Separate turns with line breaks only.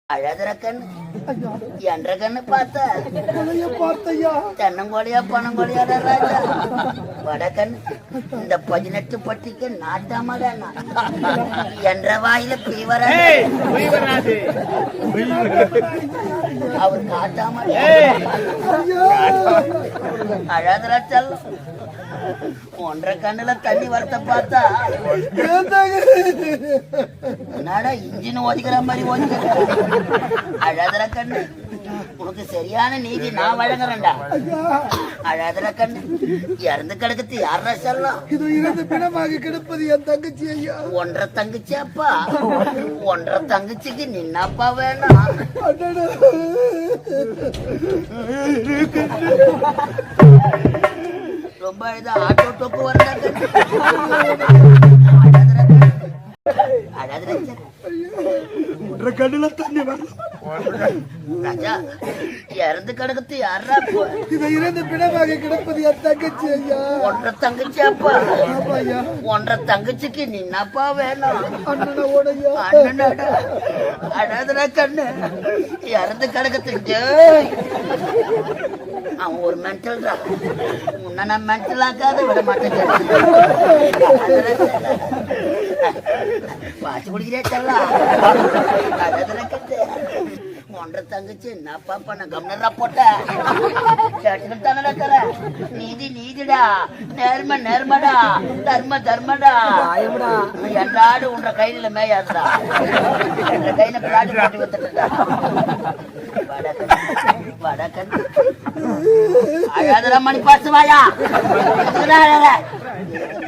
அழகுற கண்ணு என்ற கண்ணு பார்த்த தென்னங்கோழியா பனங்கோழியா ராஜா வடக்கண்ணு இந்த 18 பட்டிக்கு நாட்டாம என்ற வாயில பீவர அவர் காட்டாம அழகுற செல்லம் 1.5 கண்ணுல தண்ணி வரத்த பார்த்தா என்னடா இன்ஜின் ஓதிக்கிற மாதிரி ஓதிக்கிற அழகுற கண்ணு உனக்கு சரியான நீதி நான் வழங்குறேன்டா அழகுற கண்ணு இறந்து கிடக்குது யாரா சொல்லலாம்
இது இறந்து பிணமாக கிடப்பது என் தங்கச்சி ஐயா
1.5 தங்கச்சி அப்பா 1.5 தங்கச்சிக்கு நின்னப்பா வேணாம் ரொம்ப இது ஆட்டோ டோப்பு வரதாங்க
கண்ணுல தண்ணி வரல
ராஜா இறந்து கிடக்குது யாரா
இது இறந்து பிணமாக கிடப்பது என் தங்கச்சி ஐயா
1.5 தங்கச்சி அப்பா
ஐயா
1.5 தங்கச்சிக்கு நின்னப்பா வேணும்
அண்ணனோடையா
அண்ணனடா அழகுற கண்ணு இறந்து கிடக்குது அவன் ஒரு மென்டல் தான் உன்னை நான் மென்டல் ஆக்காத விட மாட்டேன் பாச்சு குடிக்கிறே செல்லாம் அழகுற கண்ணு 1.5 தங்கச்சி என்னப்பா பண்ண கம்னரா போட்ட கேட்டுக்கிட்டு தானே தர நீதி நீதிடா நேர்ம நேர்மடா தர்ம தர்மடா எல்லாடு உன்ற கையில மேயாதுடா என்ற கையில பிளாடி போட்டு வந்துட்டா வடக்கன் அழகுற மணி பாசுவாயா